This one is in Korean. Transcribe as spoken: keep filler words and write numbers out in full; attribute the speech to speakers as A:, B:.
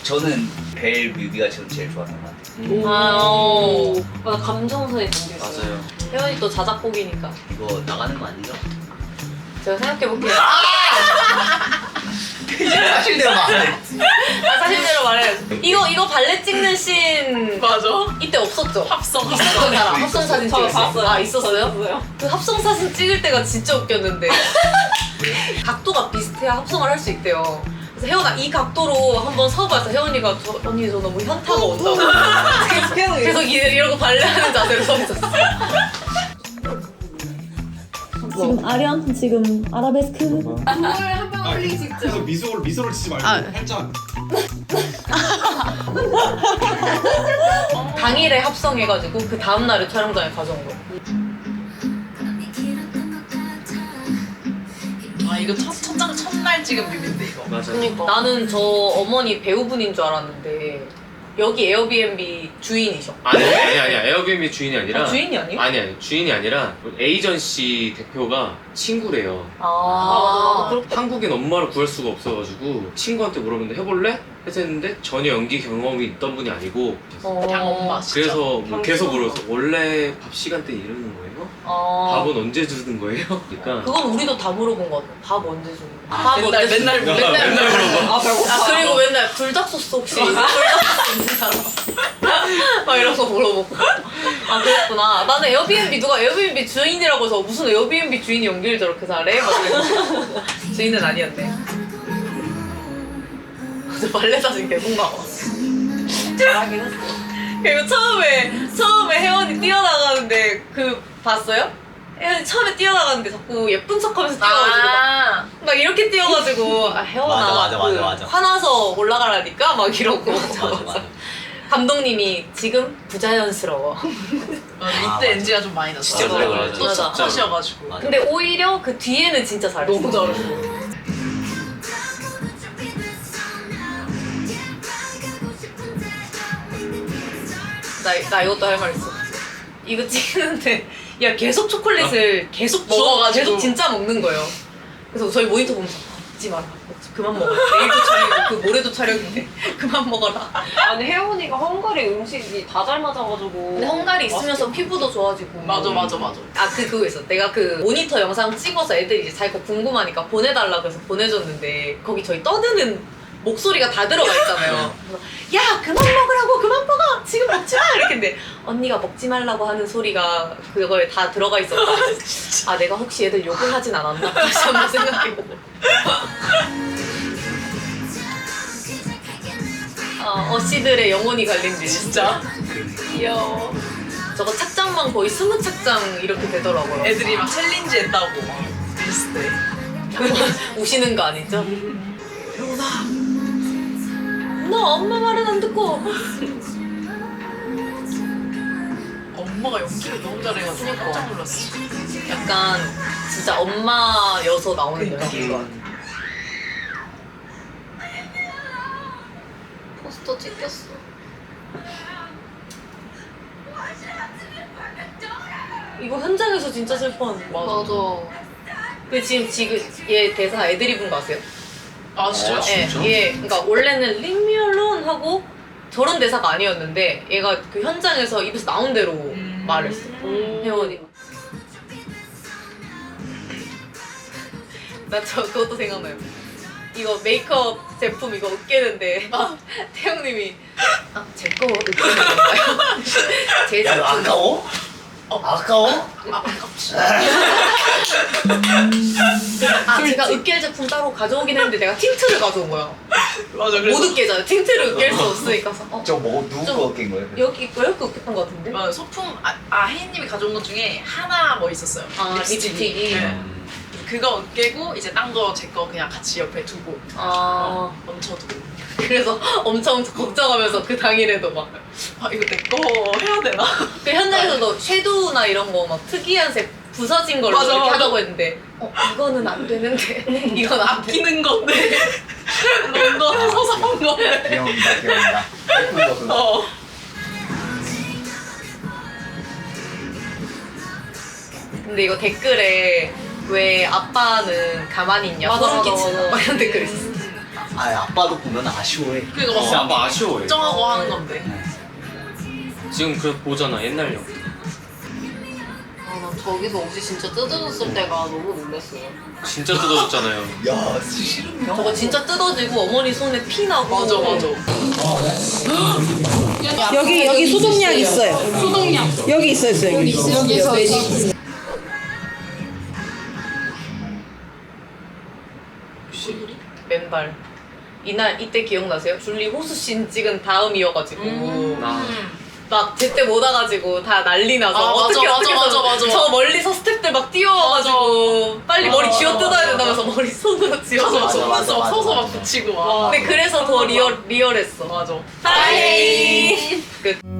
A: 저는 벨 뮤비가 지금 제일 좋았던 것 같아요.
B: 음.
C: 아, 오. 맞아, 감정선이 담겨있어요.
B: 맞아요.
C: 혜원이 또 자작곡이니까.
A: 이거 나가는 거 아니죠?
C: 제가 생각해볼게요.
A: 사실대로 말해.
C: 아, 사실대로 말해야지. 이거, 이거 발레 찍는 씬.
D: 맞아.
C: 이때 없었죠?
D: 합성.
C: 있었던 사람.
A: 있었어요.
C: 합성 사진
D: 저
C: 찍었어요.
D: 봤어요.
C: 아, 있었어요? 그 합성 사진 찍을 때가 진짜 웃겼는데. 각도가 비슷해야 합성을 할 수 있대요. 그래서 혜원아, 이 각도로 한번 서봐서 혜원이가 저, 언니 저 너무 현타가 온다고. 계속 이- 이러고 발레하는 자세로 서 있었어.
E: 지금 아련, 지금 아라베스크.
F: 아, 그래서 미소를 미소를 치지 말고
D: 아.
F: 살짝.
C: 당일에 합성해가지고 그 다음날에 촬영장에 가져온 거예요.
D: 아 이거 첫 첫장 첫날 찍은 뮤비인데 이거.
B: 맞아요.
C: 그러니까 나는 저 어머니 배우분인 줄 알았는데 여기 에어비앤비 주인이셔.
B: 아니 아니 아니 에어비앤비 주인이 아니라
C: 아, 주인이 아니에요?
B: 아니 아니 주인이 아니라 에이전시 대표가 친구래요.
C: 아, 맞아, 맞아.
B: 한국인 엄마를 구할 수가 없어가지고 친구한테 물어봤는데 해볼래? 해서 했는데 전혀 연기 경험이 있던 분이 아니고
C: 어.
D: 그냥 엄마 진짜.
B: 그래서 뭐 계속 물어서 원래 밥 시간 때 이러는 거예요?
C: 아.
B: 밥은 언제 주는 거예요? 그러니까
C: 그건 우리도 다 물어본 것 같아. 밥 언제 주는 거야?
D: 아,
C: 밥
D: 맨날
C: 언제
D: 맨날
C: 주는
D: 맨날
C: 거야?
B: 맨날 물어봐.
D: 아 배고파.
C: 아, 그리고 맨날 불닭소스 혹시 불닭소스 있는 사람? 막 이런 거 물어보고. 아, 그랬구나. 나는 에어비앤비 누가 에어비앤비 주인이라고 해서 무슨 에어비앤비 주인이 연기를 저렇게 잘해? 막 이러고. 주인은 아니었네. 저 발레 사진 계속 나와. 잘하긴 했어. 그리고 처음에 처음에 혜원이 뛰어나가는데 그 봤어요? 혜원이 처음에 뛰어나가는데 자꾸 예쁜 척하면서 뛰어가지고 막, 막 이렇게 뛰어가지고 아 혜원아
A: 맞아, 맞아, 맞아,
C: 그
A: 맞아.
C: 화나서 올라가라니까 막 이러고
A: 맞아, 맞아.
C: 감독님이 지금 부자연스러워.
D: 아, 이때
A: 맞아.
D: 엔지가 좀 많이 났어.
A: 진짜 노래 불렀죠.
D: 또
C: 맞아.
D: 첫 컷이어가지고.
A: 맞아.
C: 근데 오히려 그 뒤에는 진짜 잘했어.
D: 너무 잘했어.
C: 나, 나 이것도 할 말 있어. 이거 찍는데 야 계속 초콜릿을 계속 먹어가지고
D: 먹어가지고.
C: 계속 진짜 먹는 거예요. 그래서 저희 모니터 보면서 먹지 마라. 먹지, 그만 먹어. 내일도 촬영이고 그 모레도 촬영인데 그만 먹어라.
G: 아니 혜원이가 헝가리 음식이 다 잘 맞아가지고.
C: 근데 헝가리 있으면서 피부도 좋아지고.
D: 맞아 맞아 맞아.
C: 아, 그, 그거 있어. 내가 그 모니터 영상 찍어서 애들이 이제 자기 거 궁금하니까 보내달라고 해서 보내줬는데 거기 저희 떠드는 목소리가 다 들어가 있잖아요. 그래서 야, 그만 먹으라고! 그만 먹어! 지금 먹지 마! 이렇게 했는데 언니가 먹지 말라고 하는 소리가 그거에 다 들어가 있었다. 아, 내가 혹시 애들 욕을 하진 않았나? 다시 한번 생각해보고. 어, 어씨들의 영혼이 갈린 지
D: 진짜.
C: 귀여워. 저거 착장만 거의 스무 착장 이렇게 되더라고요.
D: 애들이 막 챌린지 했다고 막 릴스 때.
C: 우시는 거 아니죠? 혜원아, 너 엄마 말은 안 듣고.
D: 엄마가 연기를 너무 잘해가지고 깜짝 놀랐어.
C: 약간 진짜 엄마여서 나오는
D: 그러니까.
C: 연기인 것 같아. 포스터 찍혔어. 이거 현장에서 진짜 슬퍼하는 거 맞아. 그 지금 지금 얘 대사 애드리브인 거 아세요?
D: 아 진짜요?
B: 어, 진짜?
C: 예, 얘 그러니까 원래는 Leave me alone 하고 저런 대사가 아니었는데 얘가 그 현장에서 입에서 나온 대로
D: 음.
C: 말했어. 혜원이가. 나 저 그것도 생각나요. 이거 메이크업 제품 이거 으깨는데 태영님이 아, 제 거 으깨는 건가요? 제
A: 야, 너
C: 제품.
A: 아까워? 어, 아까워?
C: 아, 제가 으깰 제품 따로 가져오긴 했는데 내가 틴트를 가져온 거야.
D: 맞아 그래서
C: 못 으깨잖아. 틴트를 으깰 수 없으니까. 어,
A: 저 뭐, 누구
C: 좀-
A: 거 낀 거예요?
C: 여기 왜 이렇게 으깼던 것 같은데?
D: 어, 소품 아, 아 혜인님이 가져온 것 중에 하나 뭐 있었어요.
C: 아, 립스틱이.
D: 네. 그거 깨고 이제 딴 거 제 거 그냥 같이 옆에 두고
C: 아,
D: 얹혀두고.
C: 그래서 엄청 걱정하면서 그 당일에도 막.
D: 아 이거 내 거 해야 되나?
C: 그 현장에서도 섀도우나 이런 거 막 특이한 색 부서진 걸로
D: 맞아,
C: 이렇게
D: 맞아.
C: 하자고 했는데 어, 이거는 안 되는데 이건 안 돼.
D: 아끼는 건데 런던에서 산 건데.
A: 귀여운다, 귀여운다. 예쁜 거.
D: 어.
C: 근데 이거 댓글에 왜 아빠는 가만히 있냐
G: 맞아,
C: 소름
G: 맞아,
C: 끼친다
G: 맞아.
C: 막 이런 댓글 있었어.
A: 아 아빠도 보면 아쉬워해.
D: 그러니까
B: 진짜
D: 막
B: 아빠 아쉬워해.
D: 걱정하고 하는 건데.
B: 지금 그 보잖아 옛날 영.
C: 아, 난 저기서 옷이 진짜 뜯어졌을 때가 너무 놀랐어요.
B: 진짜 뜯어졌잖아요.
A: 야 싫으면.
C: 저거 진짜 뜯어지고 어머니 손에 피 나고.
D: 맞아 맞아.
H: 여기 여기 소독약 있어요. 소독약 여기 있어 있어요. 여기 있어. 여기 있어.
C: 맨발. 이날 이때 기억나세요? 줄리 호수씬 찍은 다음이어가지고
B: 나
C: 막 제때 못 와가지고 다 난리 나서
D: 아, 맞아,
C: 어떻게
D: 맞아,
C: 어떻게
D: 맞아,
C: 해서
D: 맞아.
C: 저 멀리서 스태프들 막 뛰어와가지고 빨리 머리
D: 맞아,
C: 쥐어
D: 맞아,
C: 뜯어야
D: 맞아.
C: 된다면서 머리 손으로 쥐어서
D: 가서
A: 맞아,
D: 막
A: 맞아,
D: 서서 막
A: 맞아,
D: 서서 막
A: 맞아.
D: 붙이고 와.
C: 근데 그래서 더 리얼 리얼했어.
D: 맞아.
C: 하이 끝.